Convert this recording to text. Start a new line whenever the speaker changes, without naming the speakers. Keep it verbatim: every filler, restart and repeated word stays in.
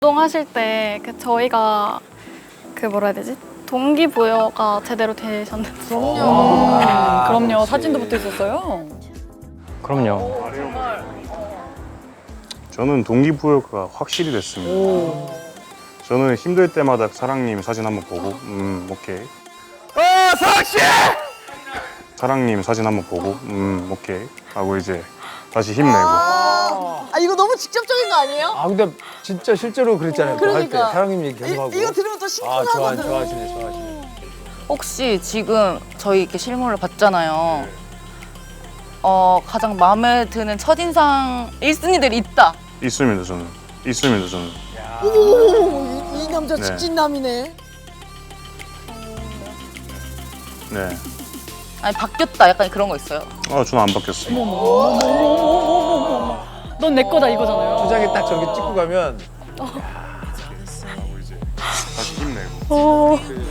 운동하실 때 그 저희가 그 뭐라 해야 되지? 동기부여가 제대로 되셨는지.
그럼요.
아, 그럼요. 사진도 붙어 있었어요.
그럼요.
저는 동기부여가 확실히 됐습니다.
오.
저는 힘들 때마다 사랑님 사진 한번 보고 음 오케이.
어, 사랑씨!
사랑님 사진 한번 보고 음 오케이 하고 이제 다시 힘내고.
아, 아 이거 너무 직접적인 거 아니에요?
아 근데 진짜 실제로 그랬잖아요. 또 할 때
그러니까.
사장님 얘기 계속 하고.
이, 이거 들으면 또
아
심쿵하거든.
좋아 좋아하시네 좋아하시네.
혹시 지금 저희 이렇게 실물을 봤잖아요. 어, 가장 마음에 드는 첫인상 일 순위들이 있다.
있습니다 저는. 있습니다 저는.
오, 이, 이 남자
네.
직진남이네.
네.
아니 바뀌었다. 약간 그런 거 있어요.
아 저는 안 바뀌었어요.
넌 내 거다 이거잖아요.
초장에 딱 저렇게 찍고 가면
다시 힘내고.